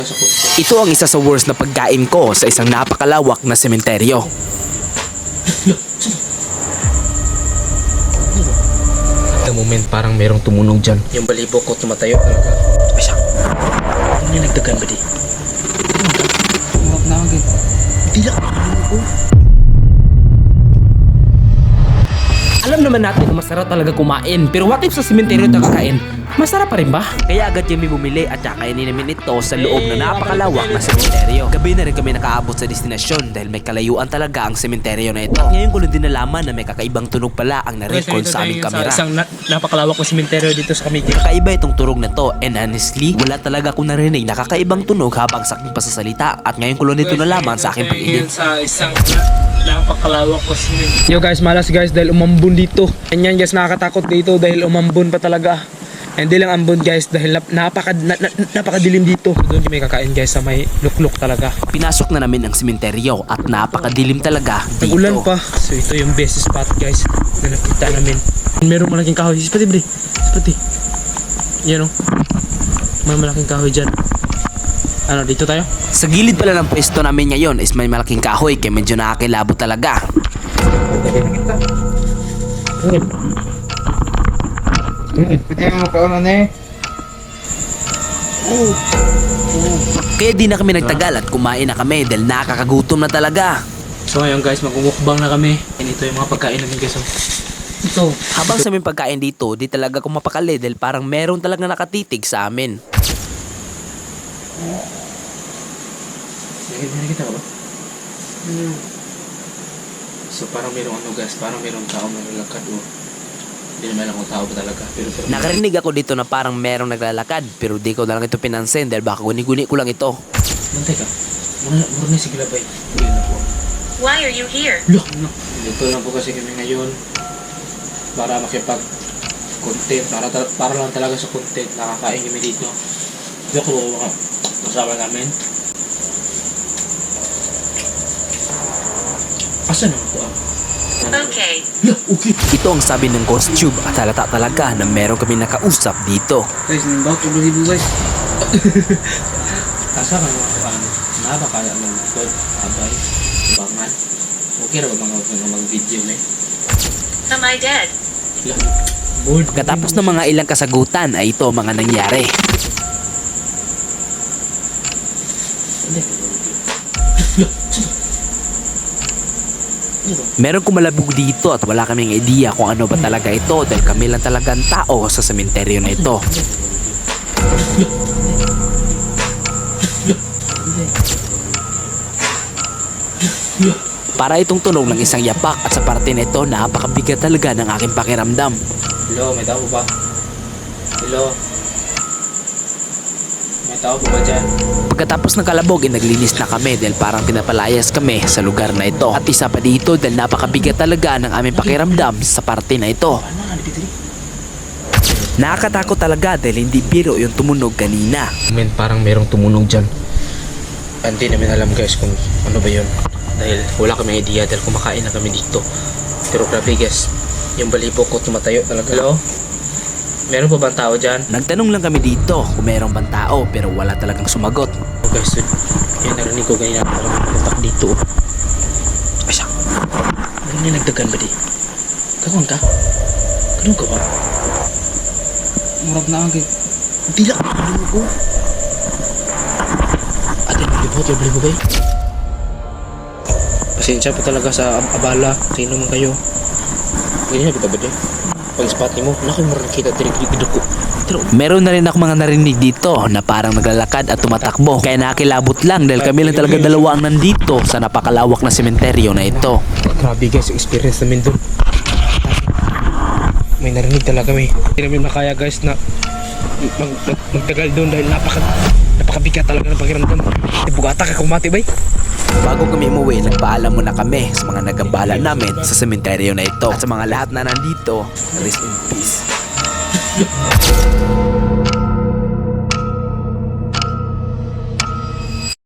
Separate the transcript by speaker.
Speaker 1: Ito ang isa sa worst na pagkain ko sa isang napakalawak na sementeryo.
Speaker 2: The moment parang merong tumunog dyan. Yung balibo ko tumatayo talaga.
Speaker 1: Ay siya. Ano yung nagdagan ba di?
Speaker 2: Huwag na agad.
Speaker 1: Tila. Alam naman natin na masarap talaga kumain, pero what if sa sementeryo ito kakain? Masarap pa rin ba? Kaya agad kami bumili at kakainin namin ito sa loob na napakalawak na sementeryo. Gabi na rin kami nakaabot sa destinasyon dahil may kalayuan talaga ang sementeryo na ito. Ngayon ko lang din nalaman na may kakaibang tunog pala ang na-record sa aming kamera.
Speaker 2: Isang napakalawak na sementeryo dito sa Camiguin.
Speaker 1: Kakaiba itong tunog na to, and honestly, wala talaga akong narinig na kakaibang tunog habang sa aking pasasalita at ngayon ko lang dito nalaman sa aking pag-edit.
Speaker 2: Sa isang napakalawak ko sementeryo. Yo guys, malas guys dahil umambon dito. Ganyan guys, nakakatakot dito dahil umambon pa talaga. Hindi lang ambon guys dahil napakadilim dito. Doon kami kakain guys sa may lukluk talaga.
Speaker 1: Pinasok na namin ang sementeryo at napakadilim talaga dito.
Speaker 2: Nag-ulan pa. So ito yung best spot guys na nakita namin. Merong malaking kahoy. Spati bre. Spati. Yan o. May malaking kahoy dyan. Ano, dito tayo?
Speaker 1: Sa gilid pala ng pwesto namin ngayon is may malaking kahoy kaya medyo nakakilabot talaga.
Speaker 3: Pwede mo kaunan eh.
Speaker 1: Kaya di na kami nagtagal at kumain na kami dahil nakakagutom na talaga.
Speaker 2: So ngayon guys, magmumukbang na kami. And ito yung mga pagkain namin guys. Ito.
Speaker 1: Habang sa aming pagkain dito, di talaga ako mapakali dahil parang meron talaga nakatitig sa amin.
Speaker 2: Nakikita ka ba? So parang merong ano guys, parang merong tao na naglalakad o. Hindi naman ako tao ba talaga. Pero
Speaker 1: Nakarinig ako dito na parang merong naglalakad pero di ko na lang ito pinansin dahil baka guni-guni ko lang ito.
Speaker 2: Bantay ka. Muna na sige labay. Hindi na po.
Speaker 4: Why are you here?
Speaker 2: Look! No. Dito lang po kasi kami ngayon para makipag-content. Para lang talaga sa content. Nakakain kami dito. Look ko kasama namin. Asa na ako
Speaker 4: Okay.
Speaker 2: Okay.
Speaker 1: Ito ang sabi ng Ghost Tube at halata talaga na meron kami nakausap dito.
Speaker 2: Guys, nimbaw to believe guys. Asa ka naman nabakala ng likod, abay, bangan. Okay ra ba mga mag-video na eh?
Speaker 4: Am I dead?
Speaker 2: Bored.
Speaker 1: Katapos ng mga ilang kasagutan ay ito ang mga nangyari. Meron kumalabog dito at wala kaming idea kung ano ba talaga ito dahil kami lang talagang tao sa sementeryo na ito. Para itong tunog ng isang yapak at sa parte nito napakabigat talaga ng aking pakiramdam.
Speaker 2: Hello, may tao ba? Hello? May tao ba dyan?
Speaker 1: Pagkatapos ng kalabog ay naglinis na kami dahil parang pinapalayas kami sa lugar na ito. At isa pa dito dahil napakabigat talaga ng aming pakiramdam sa parte na ito. Nakakatakot talaga dahil hindi biro yung tumunog kanina.
Speaker 2: Men, parang merong tumunog dyan. Hindi namin alam guys kung ano ba yun. Dahil wala kami idea dahil kumakain na kami dito. Pero grabe guys, yung balibo ko tumatayo talaga. Hello? Meron pa bang tao dyan?
Speaker 1: Nagtanong lang kami dito kung mayroong bang tao pero wala talagang sumagot.
Speaker 2: Oh guys, yung narinig ko ganyan ako lang putak dito.
Speaker 1: Ay siya. Ano yung nagdagan ba di? Kakuan ka? Ganun ka ba?
Speaker 2: Murag na agad.
Speaker 1: Tila. Ano ko? Ate,
Speaker 2: Yung balibo ba? Pasensya po talaga sa abala. Sino man kayo? Ganyan na kita ba di? Pag spot mo, naku murag kita tinig-tinig ko.
Speaker 1: meron na rin ako mga narinig dito na parang naglalakad at tumatakbo. Kaya nakakilabot lang dahil kami lang talaga dalawa ang nandito sa napakalawak na sementeryo na ito.
Speaker 2: Grabe guys, experience namin dun. May narinig talaga kami. Hindi namin makaya guys na magtagal dun dahil napakabigat talaga ng pakiramdam. Bugata ka kumati bay.
Speaker 1: Bago kami umuwi, nagpaalam muna kami sa mga nagambala namin sa sementeryo na ito. At sa mga lahat na nandito, rest in peace.